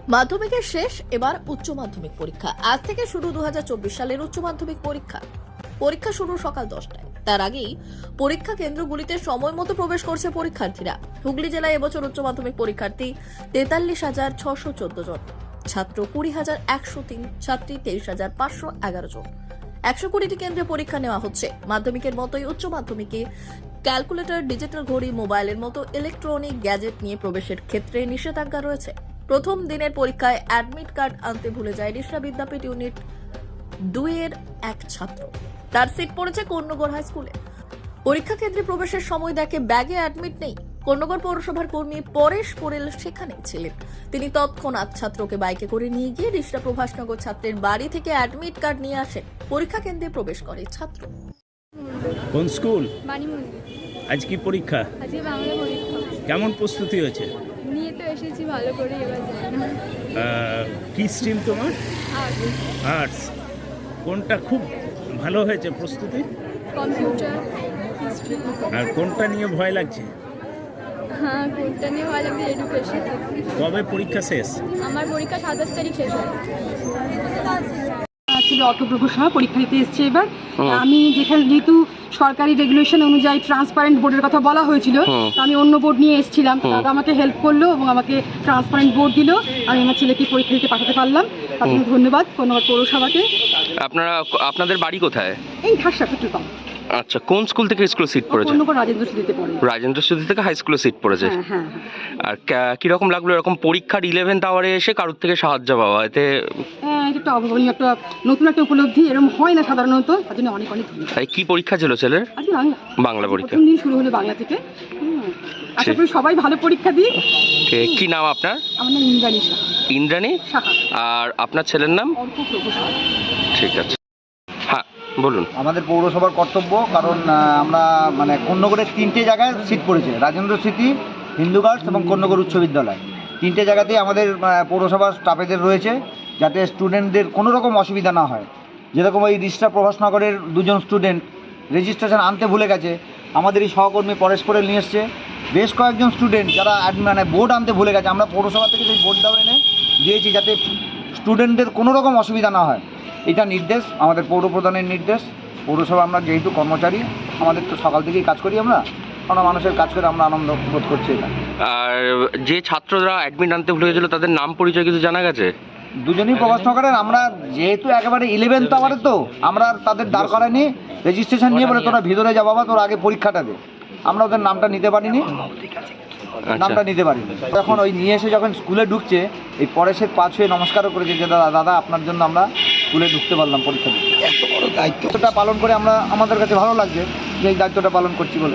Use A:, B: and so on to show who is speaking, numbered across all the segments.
A: মাধ্যমিকের শেষ, এবার উচ্চ মাধ্যমিক পরীক্ষা। আজ থেকে শুরু 2024 সালের উচ্চ মাধ্যমিক পরীক্ষা। পরীক্ষা শুরু সকাল 10টায়। তার আগেই পরীক্ষা কেন্দ্রগুলিতে সময় মতো প্রবেশ করছে পরীক্ষার্থীরা। হুগলি জেলায় এবছর উচ্চ মাধ্যমিক পরীক্ষার্থী 43,614 জন, ছাত্র 20,103, ছাত্রী 23,511 জন। 120টি কেন্দ্রে পরীক্ষা নেওয়া হচ্ছে। মাধ্যমিকের মতোই উচ্চ মাধ্যমিকে ক্যালকুলেটর, ডিজিটাল ঘড়ি, মোবাইলের মতো ইলেকট্রনিক গ্যাজেট নিয়ে প্রবেশের ক্ষেত্রে নিষেধাজ্ঞা রয়েছে। প্রথম দিনের পরীক্ষায় অ্যাডমিট কার্ড আনতে ভুলে যায় রিষড়া বিদ্যাপীঠ ইউনিট 2 এর এক ছাত্র। তার সিট পড়েছে কর্ণগড় হাই স্কুলে। পরীক্ষা কেন্দ্রে প্রবেশের সময় দেখে ব্যাগে অ্যাডমিট নেই। কর্ণগড় পৌরসভার কর্মী পরেশ পোরেল সেখানেই ছিলেন। তিনি তৎক্ষণাৎ ছাত্রকে বাইকে করে নিয়ে গিয়ে রিষড়া প্রভাসনগর ছাত্রের বাড়ি থেকে অ্যাডমিট কার্ড নিয়ে আসেন। পরীক্ষা কেন্দ্রে প্রবেশ করে ছাত্র।
B: কোন স্কুল?
C: বাণী মন্দির।
B: আজ কি পরীক্ষা?
C: আজকে বাংলা পরীক্ষা।
B: কেমন প্রস্তুতি হয়েছে?
C: নিয়ে তো এসেছি ভালো করে, এবার জানি না।
B: কি স্ট্রিম তোমার?
C: আর
B: আর্টস। কোনটা খুব ভালো হয়েছে প্রস্তুতি?
C: Computer, history.
B: আর কোনটা নিয়ে ভয় লাগছে?
C: হ্যাঁ, কোনটা নিয়ে ভালো লাগবে? এডুকেশন।
B: কবে পরীক্ষা শেষ?
C: আমার পরীক্ষা 27 তারিখ শেষ হবে।
D: ছিল অটোপ্রভুর সময় পরীক্ষা দিতে এসছে। এবার আমি যেহেতু সরকারি রেগুলেশন অনুযায়ী ট্রান্সপারেন্ট বোর্ডের কথা বলা হয়েছিল, তো আমি অন্য বোর্ড নিয়ে এসেছিলাম। দাদা আমাকে হেল্প করলো এবং আমাকে ট্রান্সপারেন্ট বোর্ড দিল। আমি আমার ছেলেকে পরীক্ষা দিতে পাঠাতে পারলাম। তার জন্য ধন্যবাদ কর্ণগড় পৌরসভাকে।
E: আপনাদের বাড়ি কোথায়?
D: এই ঘাসা পেট্রোল পাম্প।
E: আচ্ছা, কোন স্কুল থেকে স্কুলে সিট পড়েছে?
D: কর্ণগড় রাজেন্দ্র স্মৃতিতে পড়ে।
E: রাজেন্দ্র স্মৃতি থেকে হাই স্কুলে সিট পড়েছে।
D: হ্যাঁ হ্যাঁ।
E: আর কিরকম লাগলো এরকম পরীক্ষার 11th আওয়ারে এসে কারোর থেকে সাহায্য পাওয়া? এতে
D: হ্যাঁ, এটা একটা অভাবনীয়, একটা নতুন একটা উপলব্ধি। এরকম হয় না সাধারণত, তার জন্য অনেক অনেক ধন্যবাদ।
E: তাই কি পরীক্ষা ছিল ছেলের?
D: আজকে
E: বাংলা পরীক্ষা।
D: প্রথম দিন শুরু হলো বাংলা থেকে। আশা করি সবাই ভালো পরীক্ষা দিই।
E: কি নাম আপনার?
D: আমার নাম ইন্দ্রাণী সাহা।
E: ইন্দ্রাণী
D: সাহা।
E: আর আপনার ছেলের নাম?
D: অর্ক প্রভু সাহা।
E: ঠিক আছে, হ্যাঁ বলুন।
F: আমাদের পৌরসভার কর্তব্য, কারণ আমরা কর্ণগড়ের 3টে জায়গায় সিট পড়েছে, রাজেন্দ্র স্মৃতি, হিন্দু গার্লস এবং কর্ণগড় উচ্চ বিদ্যালয়। 3টে জায়গাতেই আমাদের পৌরসভার স্টাফেদের রয়েছে, যাতে স্টুডেন্টদের কোনো রকম অসুবিধা না হয়। যেরকম এই রিষড়া প্রভাসনগরের 2 জন স্টুডেন্ট রেজিস্ট্রেশন আনতে ভুলে গেছে, আমাদের এই সহকর্মী পরেশ পোরেল নিয়ে এসছে। বেশ কয়েকজন স্টুডেন্ট যারা বোর্ড আনতে ভুলে গেছে, আমরা পৌরসভা থেকে সেই বোর্ডটাও এনে দিয়েছি, যাতে স্টুডেন্টদের কোনো রকম অসুবিধা না হয়। এটা নির্দেশ, আমাদের পৌর প্রধানের নির্দেশ। পৌরসভা আমরা যেহেতু কর্মচারী, আমাদের তো সকাল থেকেই কাজ করি আমরা মানুষের কাজ করে আমরা আনন্দ বোধ করছি। এটা
E: আর যে ছাত্ররা অ্যাডমিট আনতে ভুলে গেছিলো তাদের নাম পরিচয় কিছু জানা গেছে?
F: দুজনেই প্রভাসনগরের। আমরা যেহেতু একেবারে 11th আওয়ারে, তো আমরা তাদের দাঁড় করাইনি, রেজিস্ট্রেশন নিয়ে বলে তোরা ভিতরে যা বাবা, তোর আগে পরীক্ষাটা দে। আমরা ওদের নামটা নিতে পারিনি, নামটা নিতে পারিনি। এখন ওই নিয়ে এসে যখন স্কুলে ঢুকছে, এই পরেশের পা ছুঁয়ে নমস্কারও করেছে যে দাদা আপনার জন্য আমরা স্কুলে ঢুকতে পারলাম, পরীক্ষা দিতে। এত বড় দায়িত্বটা পালন করে আমাদের কাছে ভালো লাগছে যে এই দায়িত্বটা পালন করছি বলে।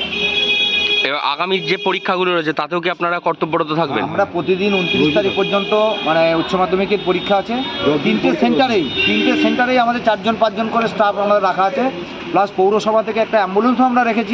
E: এবার আগামী যে পরীক্ষাগুলো রয়েছে তাতেও কি আপনারা কর্তব্যরত থাকবেন?
F: আমরা প্রতিদিন 29 তারিখ পর্যন্ত উচ্চ মাধ্যমিকের পরীক্ষা আছে। 3টে সেন্টারেই আমাদের 4-5 জন করে স্টাফ আমাদের রাখা আছে। প্লাস পৌরসভা থেকে একটা অ্যাম্বুলেন্সও আমরা রেখেছি।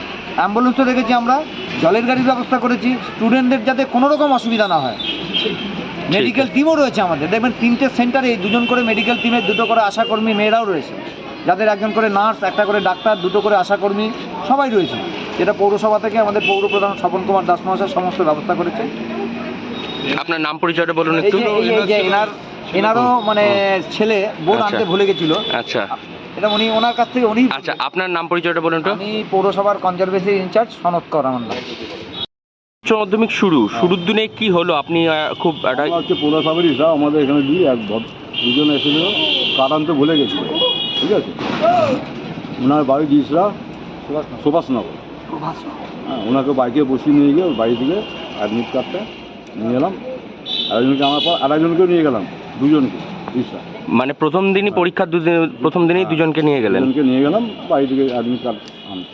F: আমরা জলের গাড়ির ব্যবস্থা করেছি, স্টুডেন্টদের যাতে কোনো রকম অসুবিধা না হয়। মেডিকেল টিমও রয়েছে আমাদের। দেখবেন 3টে সেন্টারে 2 জন করে মেডিকেল টিমের, 2টো করে আশাকর্মী মেয়েরাও রয়েছে, যাদের 1জন করে নার্স, 1টা করে ডাক্তার, 2টো করে আশাকর্মী সবাই রয়েছে। যেটা পৌরসভা থেকে আমাদের পৌর প্রধান স্বপন কুমার দাস মহাশয় সমস্ত ব্যবস্থা করেছে।
E: আপনার নাম পরিচয়টা বলুন একটু।
F: এনারও ছেলে বোর্ড আনতে ভুলে গেছিল।
E: আচ্ছা,
F: এটা ওনার কাছ থেকে উনি।
E: আচ্ছা, আপনার নাম পরিচয়টা বলুন তো।
F: আমি পৌরসভার কনজারভেশন ইনচার্জ সনৎ কর আমার নাম।
E: উচ্চ মাধ্যমিক শুরুর দিনে কি হলো? আপনি খুব
G: হচ্ছে পৌরসভারই স্যার, আমাদের এখানে দুজন এসেছিল, কার্ড আনতে ভুলে গেছিল। ঠিক আছে, ওনার বাড়ি দিয়েছিল সুভাষনগর। হ্যাঁ, ওনাকে বাইকে বসিয়ে নিয়ে গিয়ে ওর বাড়ি থেকে অ্যাডমিট কার্ডটা নিয়ে এলাম। আরেকজনকে আমার পর আরেকজনকেও নিয়ে গেলাম, 2জনকে রিক্সা।
E: প্রথম দিনই পরীক্ষার প্রথম দিনেই দুজনকে নিয়ে গেলেন?
G: নিয়ে গেলাম বাড়ি থেকে অ্যাডমিট কার্ড আনতে।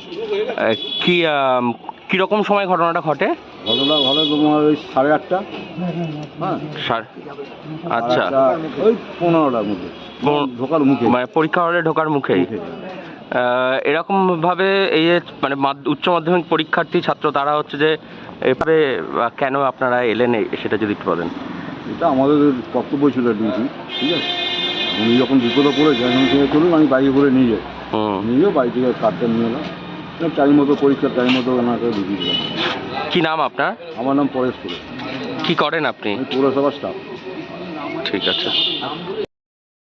E: কিরকম সময় ঘটনাটা ঘটে?
G: ঘটে তোমার ওই 8:30। হ্যাঁ,
E: আচ্ছা,
G: ওই 15টার মধ্যে ঢোকার মুখে,
E: পরীক্ষা হলে ঢোকার মুখেই। এরকম ভাবে এই যে উচ্চ মাধ্যমিক পরীক্ষার্থী ছাত্র তারা হচ্ছে যে এভাবে কেন আপনারা এলেন সেটা যদি একটু বলেন।
G: এটা আমাদের কর্তব্য ছিল, ডিউটি। ঠিক আছে, উনি যখন বিপদে পড়েছে এখন থেকে চলুন, আমি বাইকে করে নিয়ে যাই। নিয়ে বাড়ি থেকে কার্ডটা নিয়ে এলাম, টাইম মতো পরীক্ষার টাইম মতো ওনাকে দিয়ে দিলাম।
E: কি নাম আপনার?
G: আমার নাম পরেশ পোরেল।
E: কি করেন আপনি?
G: আমি পৌরসভার স্টাফ।
E: ঠিক আছে।